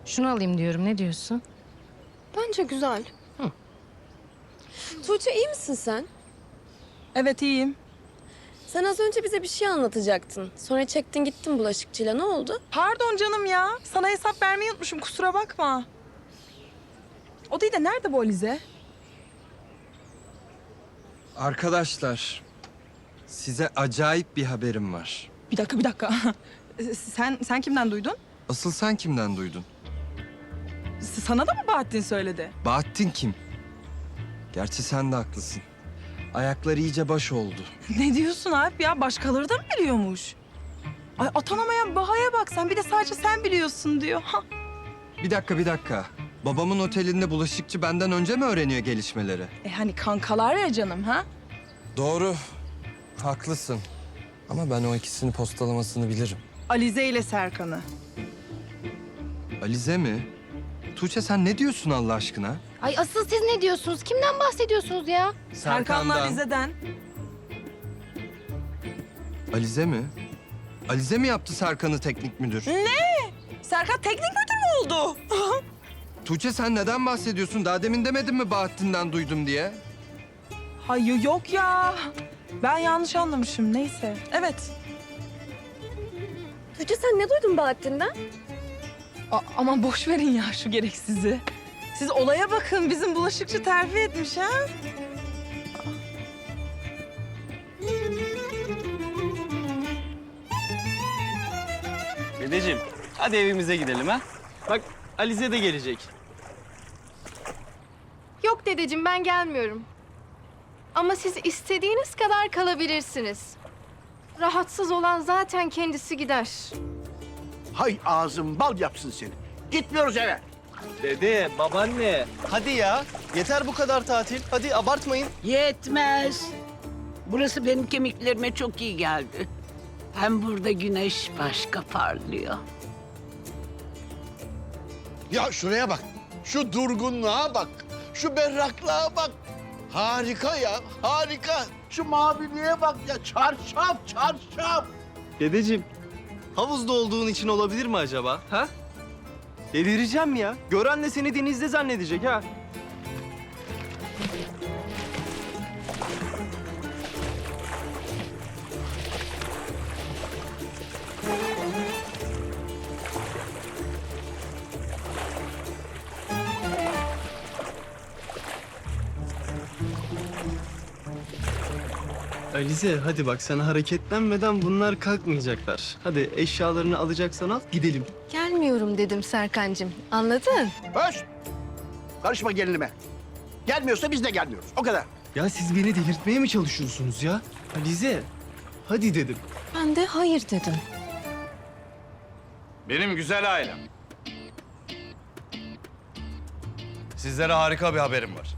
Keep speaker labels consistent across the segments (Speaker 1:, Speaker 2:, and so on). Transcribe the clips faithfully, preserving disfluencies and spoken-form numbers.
Speaker 1: Şunu alayım diyorum. Ne diyorsun?
Speaker 2: Bence güzel. Hı. Tuğçe iyi misin sen?
Speaker 3: Evet iyiyim.
Speaker 2: Sen az önce bize bir şey anlatacaktın. Sonra çektin gittin bulaşıkçıyla. Ne oldu?
Speaker 3: Pardon canım ya. Sana hesap vermeyi unutmuşum. Kusura bakma. O değil de nerede bu Alize?
Speaker 4: Arkadaşlar, size acayip bir haberim var.
Speaker 3: Bir dakika bir dakika. sen sen kimden duydun?
Speaker 4: Asıl sen kimden duydun?
Speaker 3: S- Sana da mı Bahattin söyledi?
Speaker 4: Bahattin kim? Gerçi sen de haklısın. Ayakları iyice baş oldu.
Speaker 3: Ne diyorsun Alp ya? Başkaları da mı biliyormuş? Ay atanamayan Baha'ya bak sen. Bir de sadece sen biliyorsun diyor. Ha.
Speaker 4: Bir dakika, bir dakika. Babamın otelinde bulaşıkçı benden önce mi öğreniyor gelişmeleri?
Speaker 3: E hani kankalar ya canım ha?
Speaker 4: Doğru, haklısın. Ama ben o ikisini postalamasını bilirim.
Speaker 3: Alize ile Serkan'ı.
Speaker 4: Alize mi? Tuğçe sen ne diyorsun Allah aşkına?
Speaker 1: Ay asıl siz ne diyorsunuz? Kimden bahsediyorsunuz ya?
Speaker 3: Serkan'la Alize'den.
Speaker 4: Alize mi? Alize mi yaptı Serkan'ı teknik müdür?
Speaker 3: Serkan teknik müdür mü oldu?
Speaker 4: Tuğçe sen neden bahsediyorsun? Daha demin demedin mi Bahattin'den duydum diye?
Speaker 3: Hayır yok ya. Ben yanlış anlamışım. Neyse. Evet.
Speaker 2: Tuğçe sen ne duydun Bahattin'den?
Speaker 3: A- aman boş verin ya şu gereksizi. Siz olaya bakın. Bizim bulaşıkçı terfi etmiş ha.
Speaker 5: Dedeciğim, hadi evimize gidelim ha. Bak Alize de gelecek.
Speaker 6: Yok dedeciğim ben gelmiyorum. Ama siz istediğiniz kadar kalabilirsiniz. Rahatsız olan zaten kendisi gider.
Speaker 7: Hay ağzın bal yapsın seni. Gitmiyoruz eve.
Speaker 5: Dede, babaanne. Hadi ya. Yeter bu kadar tatil. Hadi abartmayın.
Speaker 8: Yetmez. Burası benim kemiklerime çok iyi geldi. Hem burada güneş başka parlıyor.
Speaker 7: Ya şuraya bak. Şu durgunluğa bak. Şu berraklığa bak. Harika ya, harika. Şu maviliğe bak ya. Çarşaf, çarşaf.
Speaker 5: Dedeciğim, havuzda olduğun için olabilir mi acaba? Ha? Delireceğim ya. Gören de seni denizde zannedecek ha. Alize hadi bak sen hareketlenmeden bunlar kalkmayacaklar. Hadi eşyalarını alacaksan al gidelim.
Speaker 6: Gelmiyorum dedim Serkancığım. Anladın?
Speaker 7: Höş! Karışma gelinime. Gelmiyorsa biz de gelmiyoruz. O kadar.
Speaker 5: Ya siz beni delirtmeye mi çalışıyorsunuz ya? Alize hadi dedim.
Speaker 6: Ben de hayır dedim.
Speaker 9: Benim güzel ailem. Sizlere harika bir haberim var.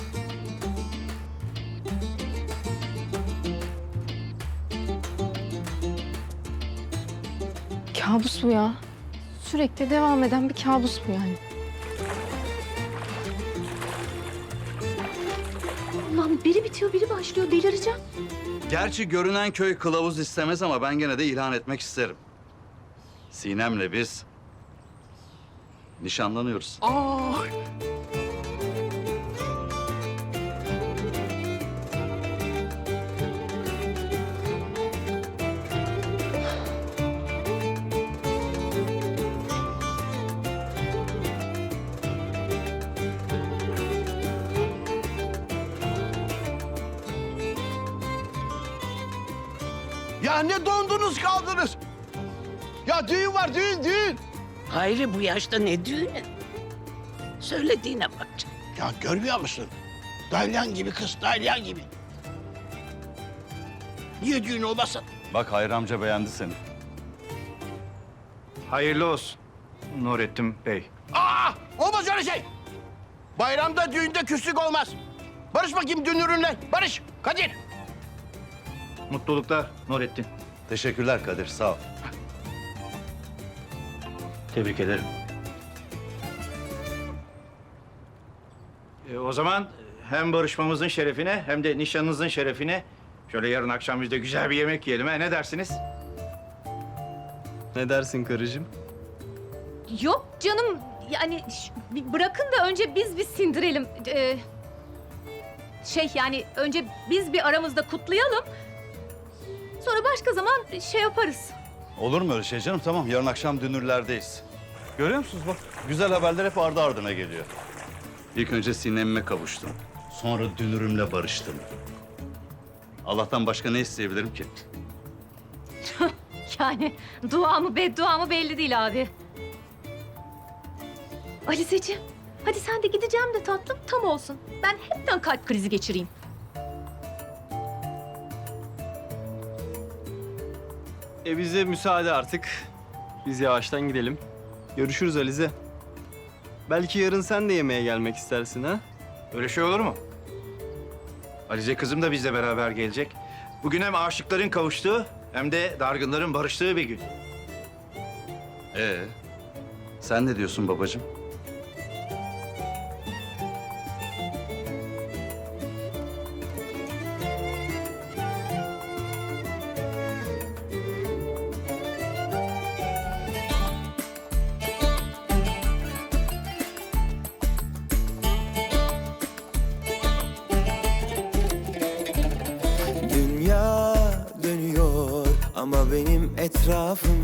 Speaker 6: Kabus bu ya. Sürekli devam eden bir kabus bu yani. Allah'ım biri bitiyor biri başlıyor delireceğim.
Speaker 9: Gerçi görünen köy kılavuz istemez ama ben gene de ilan etmek isterim. Sinem'le biz nişanlanıyoruz.
Speaker 3: Aa.
Speaker 7: Ya ne dondunuz kaldınız? Ya düğün var, düğün, düğün.
Speaker 8: Hayri bu yaşta ne düğünü? Söylediğine bak canım.
Speaker 7: Ya görmüyor musun? Dalyan gibi kız, dalyan gibi. Niye düğün olmasın?
Speaker 9: Bak Hayri amca beğendi seni.
Speaker 10: Hayırlı olsun Nurettin Bey.
Speaker 7: Aa! Olmaz öyle şey. Bayramda, düğünde küslük olmaz. Barış bakayım dünürünle. Barış, Kadir.
Speaker 10: Mutluluklar Nurettin.
Speaker 9: Teşekkürler Kadir sağ ol.
Speaker 10: Tebrik ederim. E, o zaman hem barışmamızın şerefine hem de nişanınızın şerefine şöyle yarın akşam biz de güzel bir yemek yiyelim ha. Ne dersiniz?
Speaker 5: Ne dersin karıcığım?
Speaker 11: Yok canım, yani ş- bir bırakın da önce biz bir sindirelim. Ee, şey yani önce biz bir aramızda kutlayalım. Sonra başka zaman şey yaparız.
Speaker 9: Olur mu öyle şey canım? Tamam, yarın akşam dünürlerdeyiz. Görüyor musunuz bak, güzel haberler hep ardı ardına geliyor. İlk önce Sinem'ime kavuştum. Sonra dünürümle barıştım. Allah'tan başka ne isteyebilirim ki?
Speaker 11: Yani dua mı beddua mı belli değil abi. Aliseciğim, hadi sen de gideceğim de tatlım tam olsun. Ben hepten kalp krizi geçireyim.
Speaker 5: E bize müsaade artık. Biz yavaştan gidelim. Görüşürüz Alize. Belki yarın sen de yemeğe gelmek istersin ha?
Speaker 10: Öyle şey olur mu? Alize kızım da bizle beraber gelecek. Bugün hem aşıkların kavuştuğu hem de dargınların barıştığı bir gün.
Speaker 9: Ee, sen ne diyorsun babacığım?
Speaker 12: Dünya dönüyor ama benim etrafım